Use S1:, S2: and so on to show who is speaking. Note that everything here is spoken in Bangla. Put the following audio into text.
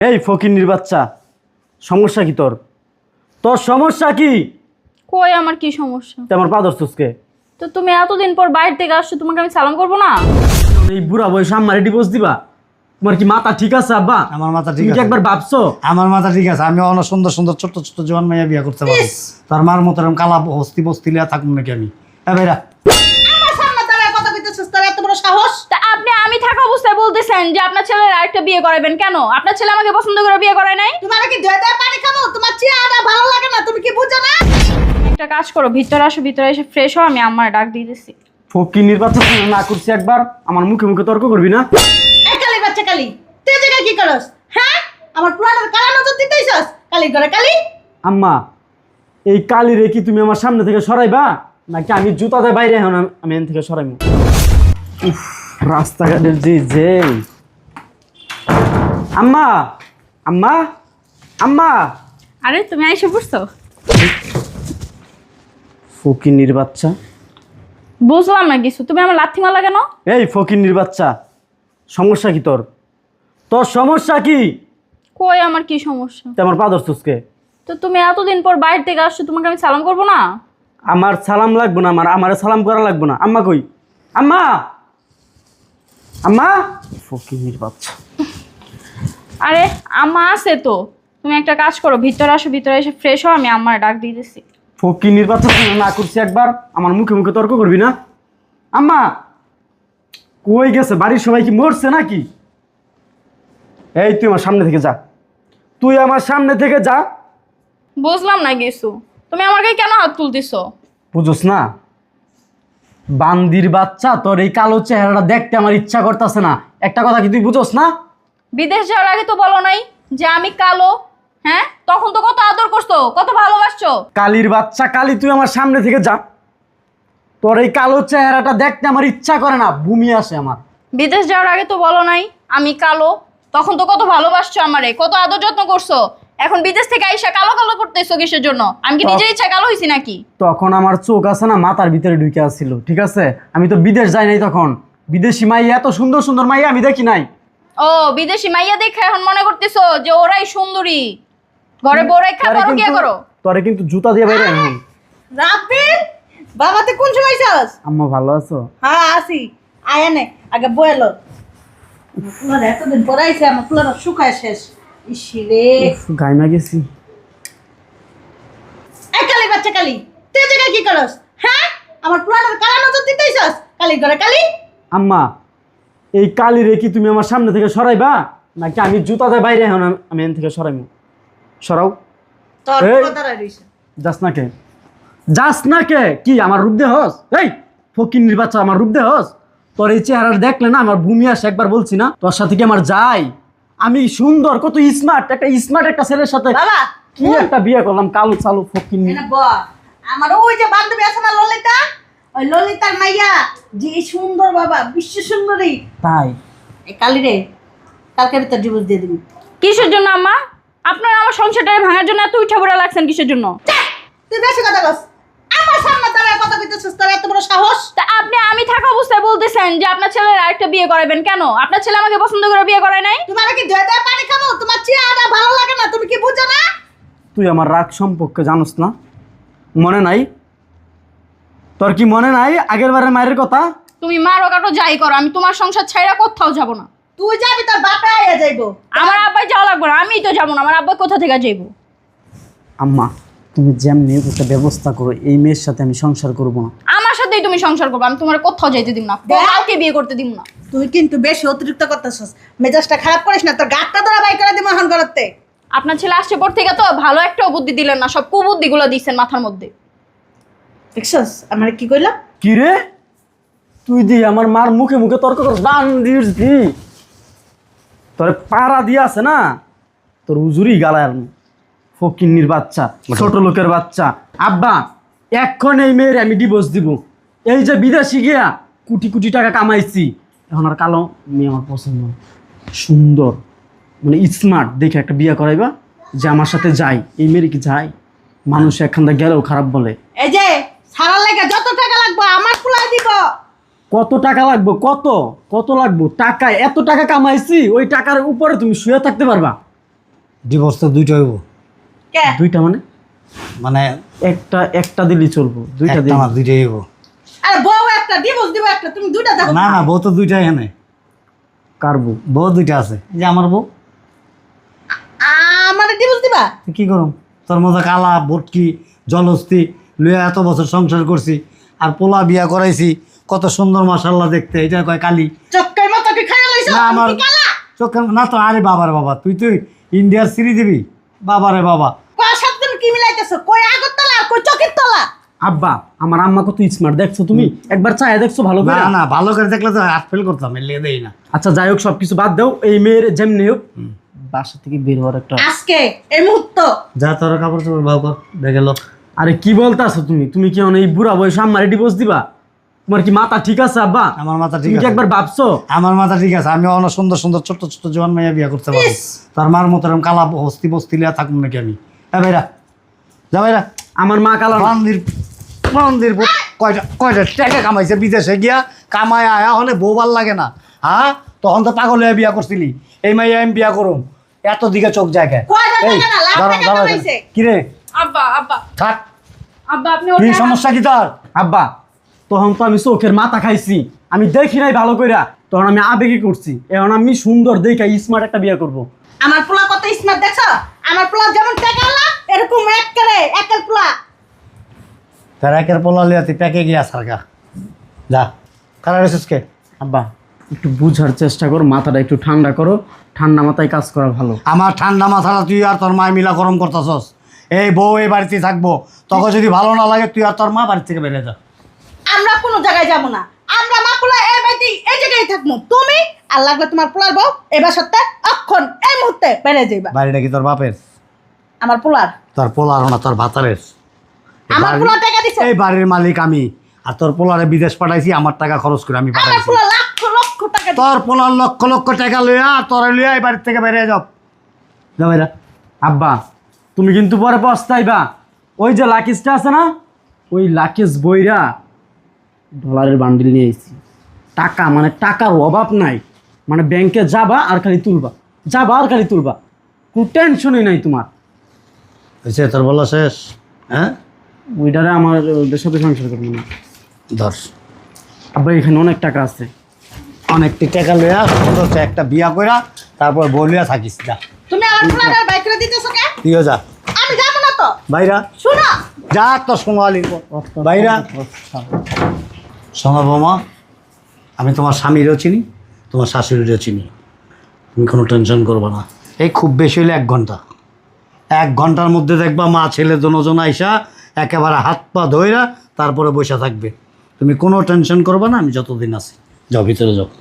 S1: এই ফকিন্নির বাচ্চা, সমস্যা কি তোর? তোর সমস্যা কি?
S2: কই আমার কি সমস্যা?
S1: তুই আমার পা ধরছিসকে?
S2: তো তুমি এতদিন পর বাইরে থেকে আসছো, তোমাকে আমি সালাম করবো না?
S1: এই বুড়া বয়সে আমারে ডিভোর্স দিবা? তোমার কি মাথা ঠিক আছে আব্বা?
S3: আমার মাথা ঠিক
S1: তুমি কি
S3: আছে।
S1: একবার ভাবছো?
S3: আমার মাথা ঠিক আছে, আমি অনেক সুন্দর সুন্দর ছোট্ট ছোট্ট জোয়ান মাইয়া বিয়া করতে পারি। তার মার মতো এরকম কালা হস্তি বস্তি লিয়া থাকুন নাকি আমি? হ্যাঁ ভাইরা,
S4: আমার সামনে দাঁড়ায় কথা কইতেছিস, তোর এত বড় সাহস?
S2: তা আমি থাকা অবস্থায় বলতেছেন যে আপনার ছেলের আরেকটা বিয়ে করাবেন কেন? আপনার ছেলে আমাকে পছন্দ করে বিয়ে করায় নাই?
S4: তোমার কি ধুয়ে ধুয়ে পানি খাবো? তোমার চেহারা ভালো লাগে না, তুমি কি বুঝো না?
S2: একটা কাজ করো, ভিতরে আসো, ভিতরে এসে ফ্রেশ হও, আমি আমার ডাক দিয়ে দিচ্ছি।
S1: ফকিন্নির বাচ্চা, তুই না করছি একবার আমার মুখে মুখে তর্ক করবি না?
S4: এই কালি বাচ্চা কালি, তুই জায়গা কি করস? হ্যাঁ, আমার পুরানোর কালা নজর দিতেইছস? কালি ঘরে কালি।
S1: আম্মা, এই কালি রে কি তুমি আমার সামনে থেকে সরাইবা নাকি আমি জুতাতে বাইরে এখন আমি এখান থেকে সরাইব? উফ, রাস্তাঘাটের যে আম্মা, আম্মা, আম্মা।
S2: আরে তুমি আইসে পড়ছো?
S1: ফকিন্নির বাচ্চা,
S2: বুঝলাম না কিছু, তুমি আমার লাথি মারলা কেন?
S1: এই ফকিন্নির বাচ্চা, সমস্যা কি তোর? তোর সমস্যা কি?
S2: কই আমার কি সমস্যা?
S1: তুই আমার পা ধরছিসকে?
S2: তো তুমি এতদিন পর বাইরে থেকে আসছো, তোমাকে আমি সালাম করবো না?
S1: আমার সালাম লাগবো না, আমার সালাম করা লাগবো না। আম্মা কই? আম্মা, আম্মা। ফকিন্নির বাচ্চা।
S2: আরে আম্মা আছে তো। তুমি একটা কাজ করো, ভিতরে আসো, ভিতরে এসে ফ্রেশ হও, আমি আমার ডাক দিয়ে দিচ্ছি।
S1: ফকিন্নির বাচ্চা, তুই না করছি একবার আমার মুখে মুখে তর্ক করবি না? আম্মা কই গেছে? বাড়ির সবাই কি মরছে নাকি? এই তুই আমার সামনে থেকে যা, তুই আমার সামনে থেকে যা।
S2: বুঝলাম না কিছু, তুমি আমার গায়ে কেন হাত তুলতেছো?
S1: বুঝোস না? বান্দির বাচ্চা, তোর এই কালো চেহারাটা দেখতে আমার ইচ্ছা করতেছে না। একটা কথা কি তুই বুঝোস না?
S2: বিদেশ যাওয়ার আগে তো বলো নাই যে আমি কালো? হ্যাঁ, তখন তো কত আদর করছো, কত ভালোবাসছো।
S1: কালির বাচ্চা কালি, তুই আমার সামনে থেকে যা। তোর এই কালো চেহারাটা দেখতে আমার ইচ্ছা করে না, বমি আসে আমার।
S2: বিদেশ যাওয়ার আগে তো বলো নাই আমি কালো, তখন তো কত ভালোবাসছো আমারে, কত আদর যত্ন করছো। এখন বিদেশ থেকে আইসা কালো কালো করতেছো কিসের জন্য? আমি কি নিজের ইচ্ছা কালো হইছি নাকি?
S1: তখন আমার চোখ আছে না মাথার ভিতরে ঢুকে আসছিল, ঠিক আছে? আমি তো বিদেশ যাই নাই তখন। বিদেশি মাইয়া, এত সুন্দর সুন্দর মাইয়া আমি দেখি নাই।
S2: ও বিদেশি মাইয়া দেখে এখন মনে করতেছো যে ওরাই সুন্দরী? ঘরে বউ রেখা বড় কি করো?
S1: তোরে কিন্তু জুতা দিয়ে বাইরে এখন।
S4: রাব্বিল, বাবা তুই কোন সময় আইছস?
S1: আম্মা ভালো আছো?
S4: হ্যাঁ আসি, আয় নে আগে বয়েলো। পুলার এতদিন পর আইছে, আমার পুলার শুকায় শেষ। ইসিরে,
S1: গাইমা গেছি।
S4: এই কালি বাচ্চা কালি, তুই জায়গা কি করস? হ্যাঁ, আমার পুরানোর কালা নজর দিতেইছস? কালি ঘরে কালি।
S1: আম্মা, এই কালি রে কি তুমি আমার সামনে থেকে সরাইবা নাকি আমি জুতাতে বাইরে এখন আমি এখান থেকে সরাইব? সরাও।
S4: তোর
S1: এই।
S4: পুরো দাঁড়ায় রইছে।
S1: যাস না কে? যাস না কে? কি আমার রূপ দেহস? এই ফকিন্নির বাচ্চা, আমার রূপ দেহস? তোর এই চেহারা দেখলে না আমার ভূমি আসে, একবার বলছি না তোর সাথে কি আমার যাই? আমি সুন্দর, কত স্মার্ট একটা ছেলের সাথে
S4: বাবা
S1: কি একটা বিয়ে করলাম, কালো চালু ফকিন্নি।
S4: এনে ব, আমার ওই যে বান্ধবী আছে না ললিতা, ওই ললিতার মাইয়া যে সুন্দর বাবা, বিশ্ব সুন্দরী।
S1: তাই
S4: এই কালি রে, কালকে ভিতর ডিভোর্স দিয়ে দিবি।
S2: কিসের জন্য আম্মা? আপনারা আমার সংসারটা ভাঙার জন্য এত উঠা পড়া লাগছেন কিসের জন্য?
S4: তুই বেশি কথা কস, আমার সামনে দাঁড়ায় কথা কইতেছিস, তোর এত বড় সাহস?
S2: তা আমি থাকা অবস্থায় বলতেছেন যে আপনার ছেলের আরেকটা বিয়ে করাবেন কেন? আপনার ছেলে আমাকে পছন্দ করে বিয়ে করায় নাই?
S4: তোমার কি ধুয়ে ধুয়ে পানি খাবো? তোমার চেহারা ভালো লাগে না, তুমি কি বুঝো না?
S1: তুই আমার রাগ সম্পর্কে জানোস না? মনে নাই? তোর কি মনে নাই আগের বারের মায়ের কথা?
S2: তুমি মারো কাটো যাই করো, আমি তোমার সংসার ছাইরা কোথাও যাব না।
S4: তুই যাবি, তোর বাপে আইয়া যাইবো।
S2: আমার আব্বাই যাওয়া লাগবে না, আমিই তো যাবো না। আমার আব্বাই কোথা থেকে যাইবো?
S1: আম্মা, তুমি যেমনি একটা ব্যবস্থা করো, এই মেয়ের সাথে আমি সংসার করব না।
S2: আমার সাথেই তুমি সংসার করবে, আমি তোমার কোথাও যাইতে দিব না, কাউকে বিয়ে করতে দিব না।
S4: তুই কিন্তু বেশি অতিরিক্ত করতেছিস, মেজাজটা খারাপ করিস না, তোর গাটটা ধরা বাই করে দিব এখন করতে।
S2: আপনার ছেলে আসছে পর থেকে তো ভালো একটা বুদ্ধি দিলেন না, সব কুবুদ্ধিগুলো দিচ্ছেন মাথার মধ্যে।
S4: দেখছস আমার কি কইলা?
S1: কি রে, তুই দি আমার মার মুখে মুখে তর্ক কর, বান্দির দি তোর পাড়া দিয়ে আছে না, তোর উজুরি গালায় ফকিন্নির বাচ্চা, ছোট লোকের বাচ্চা। আব্বা, এখন এই মেয়ের আমি ডিভোর্স দিব। এই যে বিদেশি গিয়া কোটি কোটি টাকা কামাইছি, এখন আর কালো মেয়ে আমার পছন্দ না। সুন্দর মানে স্মার্ট দেখে একটা বিয়ে করাইবা যে আমার সাথে যাই। এই মেয়ের কি যাই? মানুষ একখানটা গেলেও খারাপ বলে।
S4: এই যে সারার লাগে যত টাকা লাগবে আমার কুলাই দিব।
S1: কত টাকা লাগবে? কত কত লাগবে টাকা? এত টাকা কামাইছি, ওই টাকার উপরে তুমি শুয়ে থাকতে পারবা?
S3: ডিভোর্স তো দুইটা হইব।
S4: কে
S1: দুইটা মানে
S3: মানে
S1: একটা একটা দিলেই চলবো, দুইটা
S3: একটা
S1: দিই
S3: না দুইটাই হইব।
S4: আরে বউ একটা ডিভোর্স দিব একটা, তুমি দুইটা দেখো।
S3: না না, বউ তো দুইটা এখানে,
S1: কারবো।
S3: বউ দুইটা আছে। এই যে আমার বউ,
S4: আমারে ডিভোর্স দিবা?
S3: তুই কি করুম? তোর মতো কালা ভটকি জলস্তি লইয়া এত বছর সংসার করছি, আর পোলা বিয়া করাইছি, কত সুন্দর মাশাআল্লাহ দেখতে, এটা কয় কালি।
S4: চক্কের মতো কি খাইয়া লইছো?
S3: না আমার
S4: আমি কি কালা?
S3: চোখের না তো। আরে বাবারে বাবা, তুই তুই ইন্ডিয়ার সিরি দিবি? বাবারে বাবা,
S4: কয় সাত দিন কি মিলাইতেছো? কই আগরতলা আর কই চকের তলা?
S1: আব্বা আমার আম্মা কত স্মার্ট দেখছো তুমি? একবার চায় দেখছো ভালো করে?
S3: না না, ভালো করে দেখলে তো হাত ফেল করতাম, এর লেগে দেই না।
S1: আচ্ছা যাই হোক, সবকিছু বাদ দাও। এই মেয়ের যেমনি হোক বাসা থেকে বের হওয়ার একটা।
S4: আজকে এই মুহূর্ত
S3: যা তোর কাপড় চোপড় ভাও কর, দেখে লো।
S1: আরে কি বলতাছো তুমি? তুমি কি এই বুড়া বয়সে আম্মারে ডিভোর্স দিবা? তোমার কি মাথা ঠিক আছে আব্বা?
S3: আমার মাথা ঠিক
S1: তুমি কি
S3: আছে,
S1: একবার ভাবছো?
S3: আমার মাথা ঠিক আছে। আমি অনেক সুন্দর সুন্দর ছোট্ট ছোট্ট জোয়ান মাইয়া বিয়া করতে পারবো। তার মার মতো এরকম কালা হস্তি বস্তি লিয়া থাকুন নাকি আমি? হ্যাঁ ভাইরা, যা ভাইরা।
S1: আমার মা কালা না।
S3: মন্দির মন্দির কয়টা কয়টা টাকা কামাইছে বিদেশে গিয়া, কামায় আয়া হলে বউ ভাল লাগে না? হ্যাঁ, তখন তো পাগল হয়ে বিয়া করছিলি। এই মাইয়া আমি বিয়া করুম, এত দিকে চোখ জায়গায়।
S4: কয়টা টাকা না, লাখ টাকা কামাইছে।
S3: কিরে
S2: আব্বা আব্বা
S3: থাক,
S2: আব্বা আপনি
S3: কি
S2: ওঠেন।
S3: সমস্যা কি তোর?
S1: আব্বা তখন তো আমি চোখের মাথা খাইছি, আমি দেখি নাই ভালো কইরা, তখন আমি আবেগে করছি। এখন আমি সুন্দর দেখে স্মার্ট একটা বিয়ে করব।
S4: আমার পোলা কত স্মার্ট দেখছো? আমার পোলা যেমন টাকালা এরকম একের পোলা।
S3: তার একের পোলা লিয়া তুই প্যাকে গিয়া সারগা, যা। কারা রেছিস কে?
S1: আব্বা একটু বুঝার চেষ্টা করো, মাথাটা একটু ঠান্ডা করো। ঠান্ডা মাথায় কাজ করা ভালো।
S3: আমার ঠান্ডা মাথাটা তুই আর তোর মা মিলা গরম করতেছস। এই বউ এই বাড়িতে থাকবো, তখন যদি ভালো না লাগে তুই আর তোর মা বাড়ি থেকে বেরিয়ে যা।
S4: আমরা কোনো জায়গায় যাব না, আমরা মা পোলা এই বাড়িতে এই জায়গায় থাকবো। তুমি আর লাগলে তোমার পোলার বউ এই বাসাতে অক্ষণ এই মুহূর্তে বেড়ে যাইবা।
S3: বাড়িটা কি তোর বাপের?
S4: আমার পোলার,
S3: তোর পোলার না, তোর ভাতারের।
S4: আমার পোলা টাকা দিছে।
S3: এই বাড়ির মালিক আমি, আর তোর পোলারে বিদেশ পাঠাইছি, আমার টাকা খরচ করে আমি
S4: আমার
S3: পাঠাইছি।
S4: পোলা লক্ষ লক্ষ টাকা দিছে।
S3: তোর পোলার লক্ষ লক্ষ টাকা লইয়া তোর লইয়া এই বাড়ির থেকে বেরিয়ে যাও, যা ভাইরা।
S1: আব্বা তুমি কিন্তু পরে পস্তাইবা। ওই যে লাকিজটা আছে না, ওই লাকিজ বইরা ডলারের বান্ডিল নিয়ে এসেছি। টাকা মানে টাকার অভাব নাই, মানে ব্যাংকে যাবা আর খালি তুলবা, যাবা আর খালি তুলবা, কোনো টেনশনই নাই তোমার।
S3: হয়েছে তোর বলা শেষ? হ্যাঁ,
S1: ওইটারে আমার ওদের সাথে সংসার করবো না।
S3: ধর,
S1: আব্বা এখানে অনেক টাকা আছে।
S3: অনেকটি টাকা লইয়া সুন্দর একটা বিয়া কইরা তারপর বলিয়া থাকিস, যা।
S4: তুমি আমার পোলার বাইক করে দিতেছো কে?
S3: তুইও যা,
S4: আমি যাব না তো।
S3: ভাইরা
S4: শুনো,
S3: যা, তোর সোনালি ভাইরা। শোনো বৌমা, আমি তোমার স্বামীরও চিনি, তোমার শাশুড়িরও চিনি। তুমি কোনো টেনশন করবে না। এই খুব বেশি হলে 1 ঘন্টা, 1 ঘন্টার মধ্যে দেখবা মা ছেলে দুজন আইসা একেবারে হাত পা ধইরা তারপরে বসে থাকবে। তুমি কোনো টেনশন করবে না, আমি যতদিন আছি। যাও ভিতরে যাও।